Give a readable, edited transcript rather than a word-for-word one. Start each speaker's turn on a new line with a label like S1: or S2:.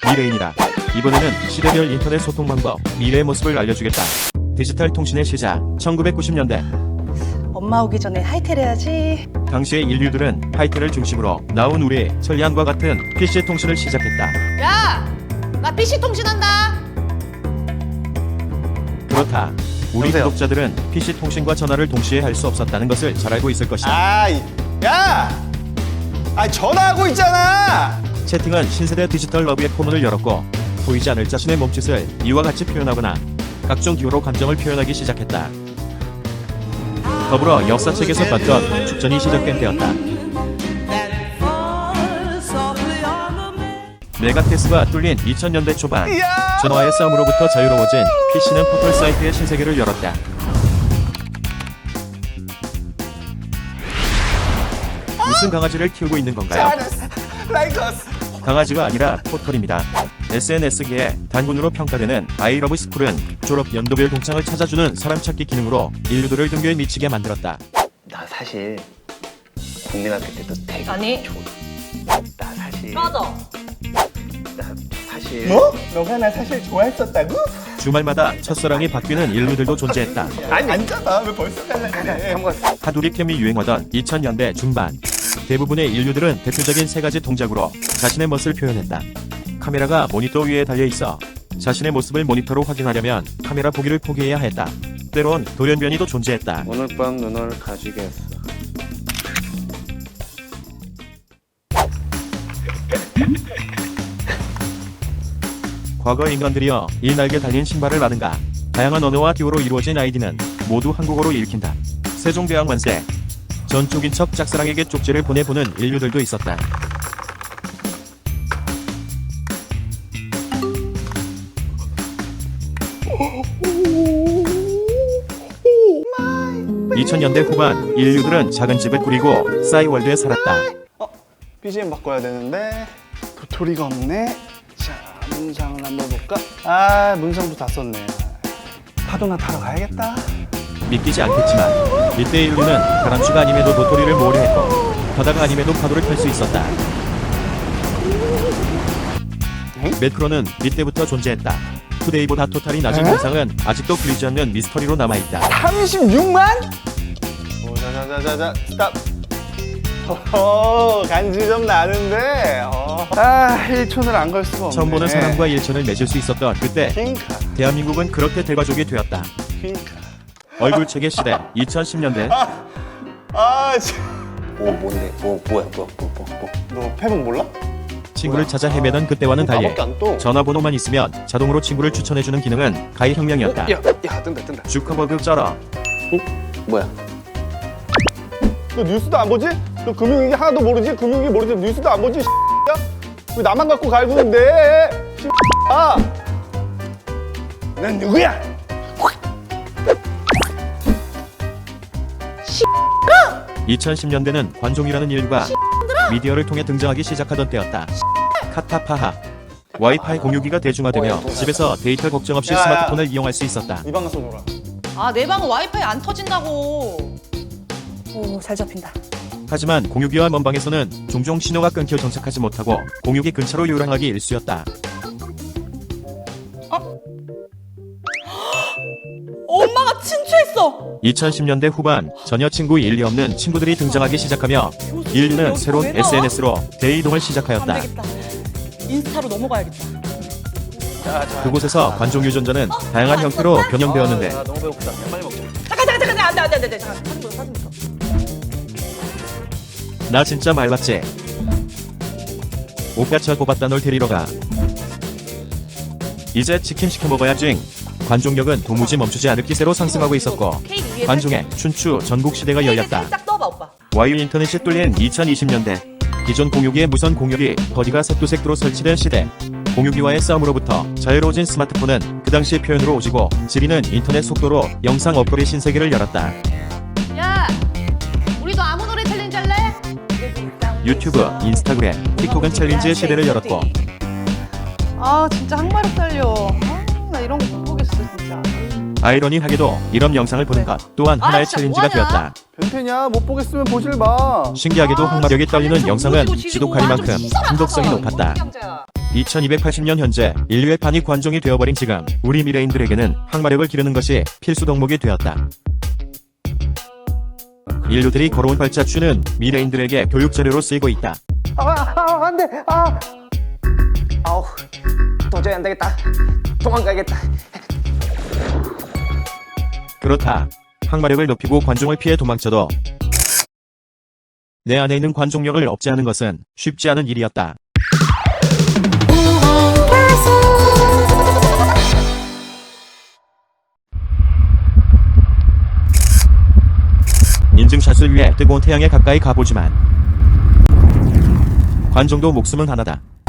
S1: 미래인이다. 이번에는 시대별 인터넷 소통 방법, 미래의 모습을 알려주겠다. 디지털 통신의 시작, 1990년대.
S2: 엄마 오기 전에 하이텔 해야지.
S1: 당시의 인류들은 하이텔을 중심으로 나온 우리 천리안과 같은 PC 통신을 시작했다.
S3: 야! 나 PC 통신한다!
S1: 그렇다. 우리
S4: 여보세요?
S1: 구독자들은 PC 통신과 전화를 동시에 할 수 없었다는 것을 잘 알고 있을 것이다.
S4: 야! 전화하고 있잖아!
S1: 채팅은 신세대 디지털 러브의 포문을 열었고 보이지 않을 자신의 몸짓을 이와 같이 표현하거나 각종 기호로 감정을 표현하기 시작했다. 더불어 역사책에서 봤던 축전이 시작된 때였다. 메가테스가 뚫린 2000년대 초반,
S4: 야!
S1: 전화의 싸움으로부터 자유로워진 PC는 포털 사이트의 신세계를 열었다. 무슨 강아지를 키우고 있는 건가요?
S4: 라이커스!
S1: 강아지가 아니라 포털입니다. SNS계의 단군으로 평가되는 아이러브스쿨은 졸업 연도별 동창을 찾아주는 사람 찾기 기능으로 인류들을 등교에 미치게 만들었다.
S4: 나 사실 국민학교 때도 되게
S3: 아니.
S4: 나 사실
S3: 맞아.
S4: 나 사실
S5: 뭐? 너가 나 사실 좋아했었다고?
S1: 주말마다 첫사랑이 바뀌는 인류들도 존재했다.
S5: 아니 앉아봐. 왜 벌써 갈라그래?
S4: 한번
S1: 하두리캠이 유행하던 2000년대 중반, 대부분의 인류들은 대표적인 세 가지 동작으로 자신의 멋을 표현했다. 카메라가 모니터 위에 달려있어 자신의 모습을 모니터로 확인하려면 카메라 보기를 포기해야 했다. 때론 돌연변이도 존재했다.
S4: 오늘 밤 누나를 가지겠어.
S1: 과거 인간들이여 이 날개 달린 신발을 라든가 다양한 언어와 기호로 이루어진 아이디는 모두 한국어로 읽힌다. 세종대왕 만세. 전 쪽인 척 짝사랑에게 쪽지를 보내보는 인류들도 있었다. (2000년대) 후반 인류들은 작은 집을 꾸리고 싸이월드에 살았다.
S5: BGM 바꿔야 되는데 도토리가 없네. 자, 문상을 한번 볼까? 문상도 다 썼네. 파도나 타러 가야겠다.
S1: 믿기지 않겠지만 이때 인류는 가람쥐가 아님에도 도토리를 모으려 했고 바다가 아님에도 파도를 탈 수 있었다. 매크로는 이때부터 존재했다. 투데이보다 토탈이 낮은 현상은 아직도 풀리지 않는 미스터리로 남아있다.
S5: 36만? 자자자자자 스탑. 간지 좀 나는데. 1촌을 안 걸 수가 없네.
S1: 처음 보는 사람과 일천을 맺을 수 있었던 그때
S5: 핑카.
S1: 대한민국은 그렇게 대가족이 되었다.
S5: 핑카.
S1: 얼굴책의 시대 2010년대
S4: 뭔데? 뭐야?
S5: 너 패분 몰라?
S1: 친구를 찾아 헤매던 그때와는 달리
S4: 나밖에 안 떠.
S1: 전화번호만 있으면 자동으로 친구를 추천해주는 기능은 가히 혁명이었다.
S4: 야 뜬다.
S1: 주커버그 쩔어.
S4: 뭐야?
S5: 너 뉴스도 안 보지? 너 금융위기 하나도 모르지? 금융위기 모르지? 뉴스도 안 보지? 왜 나만 갖고 갈구는데? 넌 누구야?
S1: 2010년대는 관종이라는 인류가 미디어를 통해 등장하기 시작하던 때였다. 카타파하. 와이파이 공유기가 대중화되며 집에서 데이터 걱정 없이
S5: 야, 야.
S1: 스마트폰을 이용할 수 있었다.
S5: 이 방에서 놀아.
S3: 아, 내 방은 와이파이 안 터진다고.
S2: 오, 잘 잡힌다.
S1: 하지만 공유기와 먼방에서는 종종 신호가 끊겨 정착하지 못하고 공유기 근처로 요랑하기 일쑤였다.
S3: 엄마가 친추했어!
S1: 2010년대 후반 전혀 친구 일리 없는 친구들이 등장하기 시작하며 인류는
S3: 여기
S1: 새로운
S3: 왜 나와?
S1: SNS로 대이동을
S3: 안
S1: 시작하였다.
S3: 되겠다. 인스타로 넘어가야겠다.
S1: 그곳에서 관종 유전자는 다양한 형태로 변형되었는데
S4: 너무 배고프다. 빨리 먹자.
S3: 잠깐, 안 돼. 잠깐, 사진 보여.
S1: 나 진짜 말랐지? 오빠차 뽑았다 널 데리러 가. 이제 치킨 시켜 먹어야지. 관종력은 도무지 멈추지 않을 기세로 상승하고 있었고
S3: 케이크 위에
S1: 관종의 춘추 전국 시대가 열렸다.
S3: 살짝 떠봐, 오빠.
S1: 와이어 인터넷이 뚫린 2020년대 기존 공유기의 무선 공유기 버디가 색도색도로 설치된 시대. 공유기와의 싸움으로부터 자유로워진 스마트폰은 그 당시 표현으로 오지고 지리는 인터넷 속도로 영상 어플의 신세계를 열었다.
S3: 야! 우리도 아무 노래 챌린지 할래?
S1: 유튜브, 인스타그램, 틱톡은 챌린지의 시대를 열었고
S2: 진짜 항마력 달려. 나 이런 거 못 보겠어, 진짜.
S1: 아이러니하게도 이런 영상을 보는 것 또한 하나의
S3: 진짜
S1: 챌린지가
S3: 뭐하냐?
S1: 되었다.
S5: 변태냐? 못 보겠으면 보질 마.
S1: 신기하게도 항마력이 떨리는 영상은 지독하리만큼 중독성이 높았다. 2280년 현재 인류의 반이 관종이 되어버린 지금 우리 미래인들에게는 항마력을 기르는 것이 필수 덕목이 되었다. 인류들이 걸어온 발자취는 미래인들에게 교육 자료로 쓰이고 있다.
S4: 안 돼! 아우, 도저히 안 되겠다. 도망가야겠다.
S1: 그렇다. 항마력을 높이고 관종을 피해 도망쳐도 내 안에 있는 관종력을 억제하는 것은 쉽지 않은 일이었다. 인증샷을 위해 뜨거운 태양에 가까이 가보지만 관종도 목숨은 하나다.